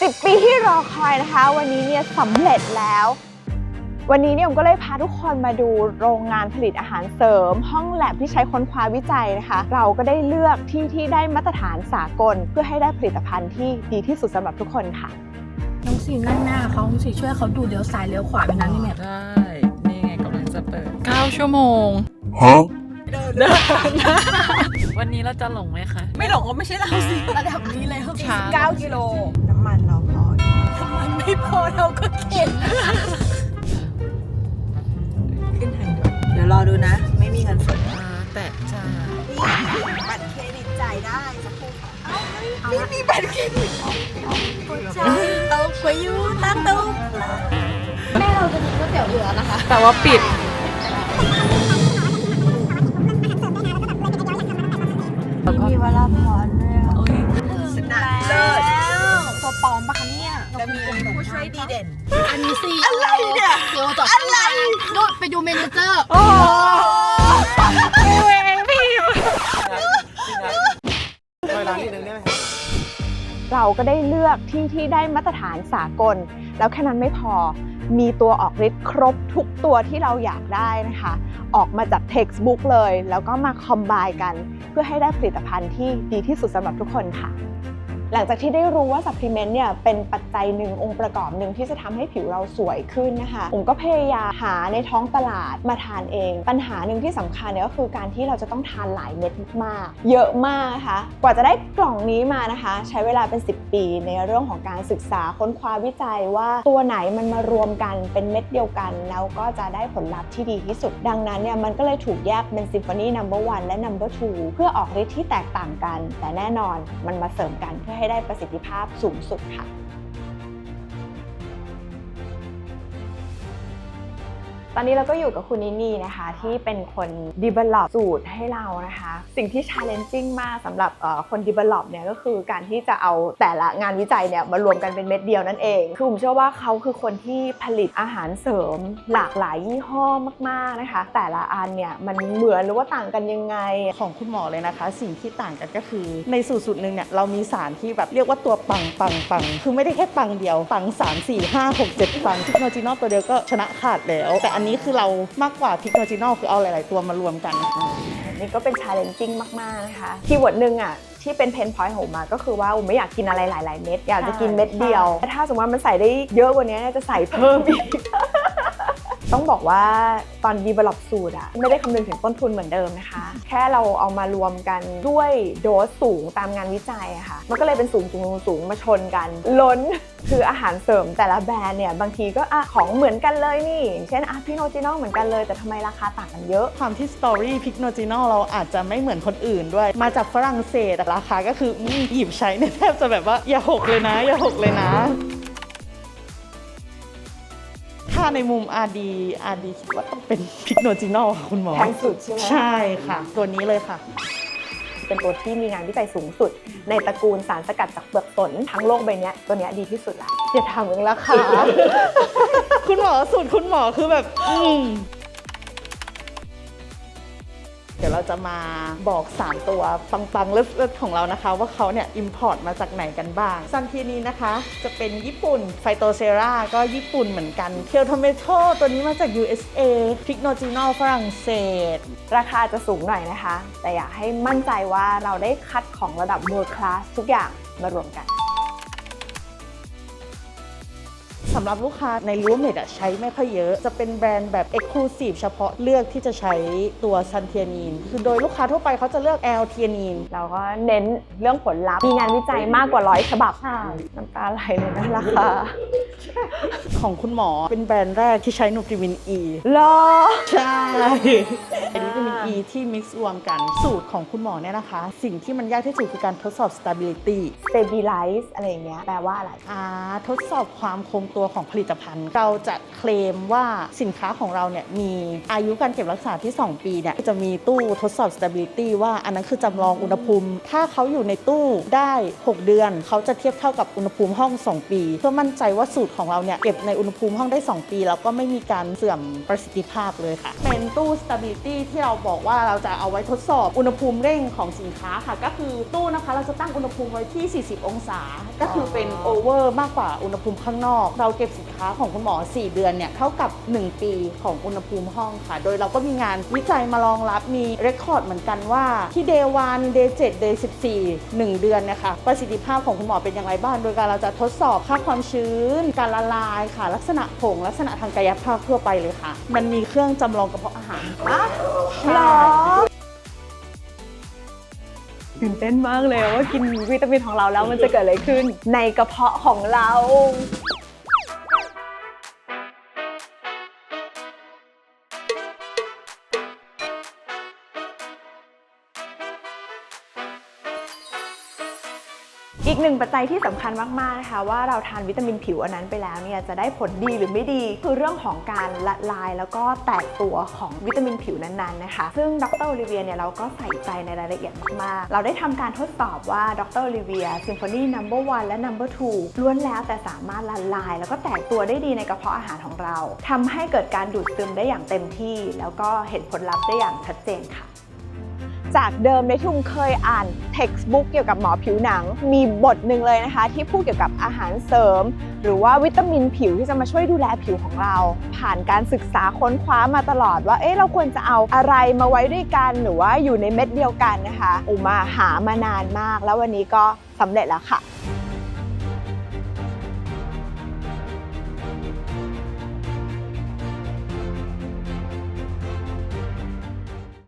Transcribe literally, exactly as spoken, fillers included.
สิบปีที่รอคอยนะคะวันนี้เนี่ยสำเร็จแล้ววันนี้เนี่ยผมก็เลยพาทุกคนมาดูโรงงานผลิตอาหารเสริมห้องแลบที่ใช้ค้นคว้าวิจัยนะคะเราก็ได้เลือกที่ที่ได้มาตรฐานสากลเพื่อให้ได้ผลิตภัณฑ์ที่ดีที่สุดสำหรับทุกคนค่ะน้องสีนั่งหน้าเขาน้องสีช่วยเขาดูเลี้ยวซ้ายเลี้ยวขวาไปนั้นนี่แม่ได้นี่ไงกำลังจะเปิดเก้าชั่วโมงฮะเดินวันนี้เราจะหลงไหมคะไม่หลงก็ไม่ใช่เราสิระดับนี้เลยครับช้าเก้ากิโลน้ำมันเราพอน้ำมันไม่พอเราก็เข็นขึ้นทางด่วนเดี๋ยวรอดูนะไม่มีเงินสดแต่จ่ายบัตรเครดิตจ่ายได้สักครู่ค่ะไม่มีบัตรเครดิตใช่ตกไปอยู่ตั้งตุ๊กแม่เราจะกินก๋วยเตี๋ยวเรือนะคะแต่ว่าปิดมีวราพรด้วยชนะเลิศตัวปลอมปะคะเนี่ยจะมีผู้ช่วยดีเด่นอันนี้สิอะไรเนี่ยเดี๋ยวจอดอะไรโดดไปดูเมนเจอร์โอ้ยพี่ช่วยร้านนิดนึงได้ไหมเราก็ได้เลือกที่ที่ได้มาตรฐานสากลแล้วแค่นั้นไม่พอมีตัวออกฤทธิ์ครบทุกตัวที่เราอยากได้นะคะออกมาจาก textbook เลยแล้วก็มาคอมไบน์กันเพื่อให้ได้ผลิตภัณฑ์ที่ดีที่สุดสำหรับทุกคนค่ะหลังจากที่ได้รู้ว่าซัพพลีเมนต์เนี่ยเป็นปัจจัยหนึ่งองค์ประกอบหนึ่งที่จะทำให้ผิวเราสวยขึ้นนะคะผมก็พยายามหาในท้องตลาดมาทานเองปัญหาหนึ่งที่สำคัญเนี่ยก็คือการที่เราจะต้องทานหลายเม็ดมากเยอะมากนะคะกว่าจะได้กล่องนี้มานะคะใช้เวลาเป็นสิบปีในเรื่องของการศึกษาค้นคว้าวิจัยว่าตัวไหนมันมารวมกันเป็นเม็ดเดียวกันแล้วก็จะได้ผลลัพธ์ที่ดีที่สุดดังนั้นเนี่ยมันก็เลยถูกแยกเป็น Symphony นัมเบอร์ วัน และ นัมเบอร์ ทู เพื่อออกฤทธิ์ที่แตกต่างกันแต่แน่นอนมันมาเสริมกันเพื่อให้ได้ประสิทธิภาพสูงสุดค่ะตอนนี้เราก็อยู่กับคุณนินี่นะคะที่เป็นคน develop สูตรให้เรานะคะสิ่งที่ challenging มากสำหรับคน develop เนี่ยก็คือการที่จะเอาแต่ละงานวิจัยเนี่ยมารวมกันเป็นเม็ดเดียวนั่นเองคือผมเชื่อว่าเขาคือคนที่ผลิตอาหารเสริมหลากหลายยี่ห้อมากๆนะคะแต่ละอันเนี่ยมันเหมือนหรือว่าต่างกันยังไงของคุณหมอเลยนะคะสิ่งที่ต่างกันก็คือในสูตรสูตรหนึ่งเนี่ยเรามีสารที่แบบเรียกว่าตัวปังปังปังคือไม่ได้แค่ปังเดียวปังสาม สี่ ห้า หก เจ็ดปังพิกโนจินอลตัวเดียวก็ชนะขาดแล้วแต่อันนี้คือเรามากกว่าพิกโนจินอลคือเอาหลายๆตัวมารวมกันนี่ก็เป็น challenging มากๆนะคะคีย์เวิร์ดหนึ่งอ่ะที่เป็นเพนพอยต์ของผมมาก็คือว่าผมไม่อยากกินอะไรหลายๆเม็ดอยากจะกินเม็ดเดียวถ้าสมมติว่ามันใส่ได้เยอะกว่านี้จะใส่เพิ่มอีกต้องบอกว่าตอน develop สูตรอะไม่ได้คำนึงถึงต้นทุนเหมือนเดิมนะคะแค่เราเอามารวมกันด้วยโดสสูงตามงานวิจัยอะค่ะมันก็เลยเป็นสูงสูงสูงมาชนกันล้นคืออาหารเสริมแต่ละแบรนด์เนี่ยบางทีก็อะของเหมือนกันเลยนี่เช่นอะพิกโนจินอลเหมือนกันเลยแต่ทำไมราคาต่างกันเยอะความที่สตอรี่พิกโนจินอลเราอาจจะไม่เหมือนคนอื่นด้วยมาจากฝรั่งเศสแต่ราคาก็คือหยิบใช้เนี่ยแทบจะแบบว่าอย่าหกเลยนะอย่าหกเลยนะถ้าในมุม อาร์ ดี อาร์ ดี คิดว่าต้องเป็นพิกโนจินอลค่ะคุณหมอแพงสุดใช่ไหมใช่ค่ะตัวนี้เลยค่ะเป็นตัวที่มีงานวิจัยสูงสุดในตระกูลสารสกัดจากเปลือกสนทั้งโลกใบนี้ตัวนี้ดีที่สุดละอย่าถามเรื่องราคาคุณหมอสูตรคุณหมอคือแบบอืมเดี๋ยวเราจะมาบอกสามตัวปังๆเลิศๆของเรานะคะว่าเขาเนี่ยอิมพอร์ตมาจากไหนกันบ้างซันทีนี้นะคะจะเป็นญี่ปุ่นไฟโตเซราก็ญี่ปุ่นเหมือนกันเคียวโทเมโตตัวนี้มาจาก ยู เอส เอ พิกโนจินอลฝรั่งเศสราคาจะสูงหน่อยนะคะแต่อยากให้มั่นใจว่าเราได้คัดของระดับ world class ทุกอย่างมารวมกันสำหรับลูกค้าในรูเมดใช้ไม่ค่อยเยอะจะเป็นแบรนด์แบบ Exclusive เฉพาะเลือกที่จะใช้ตัวซันเทียนีนคือโดยลูกค้าทั่วไปเขาจะเลือกแอลเทียนีนเราก็เน้นเรื่องผลลัพธ์มีงานวิจัยมากกว่าร้อยฉบับน้ำตาไหลเลยนะราคาของคุณหมอเป็นแบรนด์แรกที่ใช้นูทริวิน E หรอใช่นูทริวิน E ที่ mix รวมกันสูตรของคุณหมอเนี่ยนะคะสิ่งที่มันยากที่สุดคือการทดสอบ stability stabilize อะไรอย่างเงี้ยแปลว่าอะไรอ่าทดสอบความคงตัวของผลิตภัณฑ์ เราจะเคลมว่าสินค้าของเราเนี่ยมีอายุการเก็บรักษาที่สองปีเนี่ยจะมีตู้ทดสอบ stability ว่าอันนั้นคือจำลองอุณหภูมิถ้าเขาอยู่ในตู้ได้หกเดือนเขาจะเทียบเท่ากับอุณหภูมิห้องสองปีเพื่อมั่นใจว่าสูตรของเราเนี่ยเก็บในอุณหภูมิห้องได้สองปีแล้วก็ไม่มีการเสื่อมประสิทธิภาพเลยค่ะเป็นตู้ stability ที่เราบอกว่าเราจะเอาไว้ทดสอบอุณหภูมิเร่งของสินค้าค่ะก็คือตู้นะคะเราจะตั้งอุณหภูมิไว้ที่สี่สิบองศาก็คือเป็นโอเวอร์มากกว่าอุณหภูมิข้างนอกเราเก็บสินค้าของคุณหมอสี่เดือนเนี่ยเท่ากับหนึ่งปีของอุณหภูมิห้องค่ะโดยเราก็มีงานวิจัยมารองรับมีเรคคอร์ดเหมือนกันว่าที่ day วัน day เจ็ด day สิบสี่ หนึ่งเดือนนะคะประสิทธิภาพของคุณหมอเป็นอย่างไรบ้างโดยการเราจะทดสอบค่าความชื้นการละลายค่ะลักษณะผงลักษณะทางกายภาพทั่วไปเลยค่ะมันมีเครื่องจำลองกระเพาะอาหารหรอตื่นเต้นมากเลยว่ากินวิตามินของเราแล้วมันจะเกิดอะไรขึ้นในกระเพาะของเราอีกหนึ่งปัจจัยที่สำคัญมากๆนะคะว่าเราทานวิตามินผิวอันนั้นไปแล้วเนี่ยจะได้ผลดีหรือไม่ดีคือเรื่องของการละลายแล้วก็แตกตัวของวิตามินผิวนั้นๆนะคะซึ่งดร.โอลิเวียเนี่ยเราก็ใส่ใจในรายละเอียดมากๆเราได้ทำการทดสอบว่าดร.โอลิเวีย Symphony นัมเบอร์วัน และ นัมเบอร์ทู ล้วนแล้วแต่สามารถละลายแล้วก็แตกตัวได้ดีในกระเพาะอาหารของเราทำให้เกิดการดูดซึมได้อย่างเต็มที่แล้วก็เห็นผลลัพธ์ได้อย่างชัดเจนค่ะจากเดิมในที่ผมเคยอ่าน textbook เกี่ยวกับหมอผิวหนังมีบทหนึ่งเลยนะคะที่พูดเกี่ยวกับอาหารเสริมหรือว่าวิตามินผิวที่จะมาช่วยดูแลผิวของเราผ่านการศึกษาค้นคว้ามาตลอดว่าเอ๊ะเราควรจะเอาอะไรมาไว้ด้วยกันหรือว่าอยู่ในเม็ดเดียวกันนะคะอุมาหามานานมากแล้ววันนี้ก็สำเร็จแล้วค่ะ